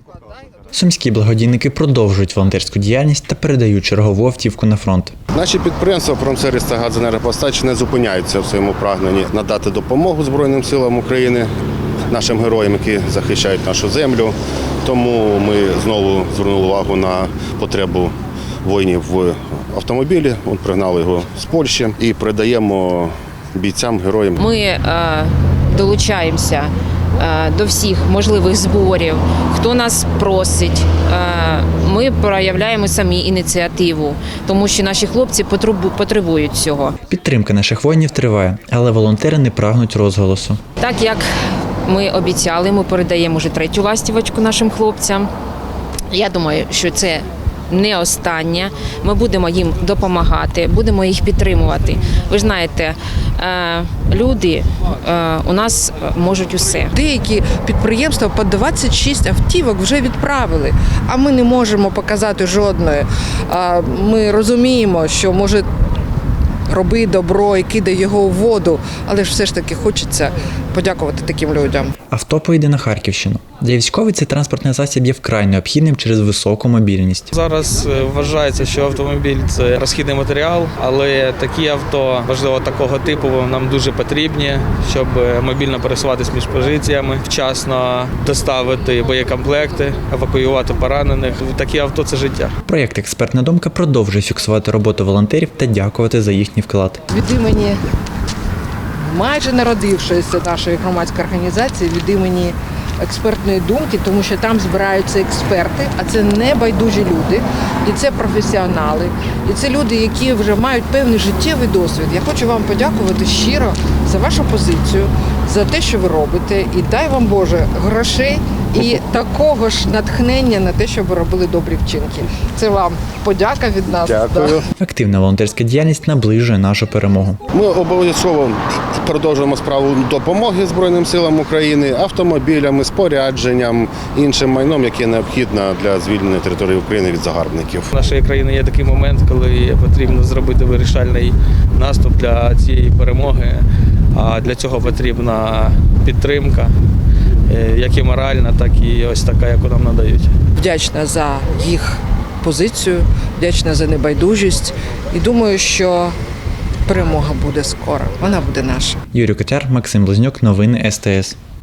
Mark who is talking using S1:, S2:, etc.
S1: Сумські благодійники продовжують волонтерську діяльність та передають чергову автівку на фронт.
S2: Наші підприємства «Промсервіс» та «Газенергопостач» не зупиняються в своєму прагненні надати допомогу Збройним силам України, нашим героям, які захищають нашу землю. Тому ми знову звернули увагу на потребу воїнів в автомобілі. Пригнали його з Польщі і передаємо бійцям, героям.
S3: Ми долучаємося до всіх можливих зборів, хто нас просить. Ми проявляємо самі ініціативу, тому що наші хлопці потребують цього.
S1: Підтримка наших воїнів триває, але волонтери не прагнуть розголосу.
S3: Так як ми обіцяли, ми передаємо вже 3-ю ластівочку нашим хлопцям. Я думаю, що це не остання. Ми будемо їм допомагати, будемо їх підтримувати. Ви ж знаєте, люди у нас можуть усе.
S4: Деякі підприємства по 26 автівок вже відправили, а ми не можемо показати жодної. Ми розуміємо, що може роби добро і кидай його у воду, але ж все ж таки хочеться подякувати таким людям.
S1: Авто поїде на Харківщину. Для військових цей транспортний засіб є вкрай необхідним через високу мобільність.
S5: Зараз вважається, що автомобіль – це розхідний матеріал, але такі авто, важливо такого типу, нам дуже потрібні, щоб мобільно пересуватися між позиціями, вчасно доставити боєкомплекти, евакуювати поранених. Такі авто – це життя.
S1: Проєкт «Експертна думка» продовжує фіксувати роботу волонтерів та дякувати за їхній вклад.
S4: Від імені майже народившоїся нашої громадської організації, від імені експертної думки, тому що там збираються експерти, а це не байдужі люди, і це професіонали, і це люди, які вже мають певний життєвий досвід. Я хочу вам подякувати щиро за вашу позицію, за те, що ви робите, і дай вам, Боже, грошей і такого ж натхнення на те, щоб ви робили добрі вчинки. Це вам подяка від нас.
S2: Дякую.
S1: Активна волонтерська діяльність наближує нашу перемогу.
S2: Ми обов'язково продовжуємо справу допомоги Збройним силам України, автомобілями, спорядженням, іншим майном, яке необхідно для звільнення території України від загарбників.
S5: У нашої країни є такий момент, коли потрібно зробити вирішальний наступ для цієї перемоги, а для цього потрібна підтримка, як і моральна, так і ось така, яку нам надають.
S4: Вдячна за їх позицію, вдячна за небайдужість і думаю, що перемога буде скоро, вона буде наша.
S1: Юрій Котяр, Максим Близнюк, новини СТС.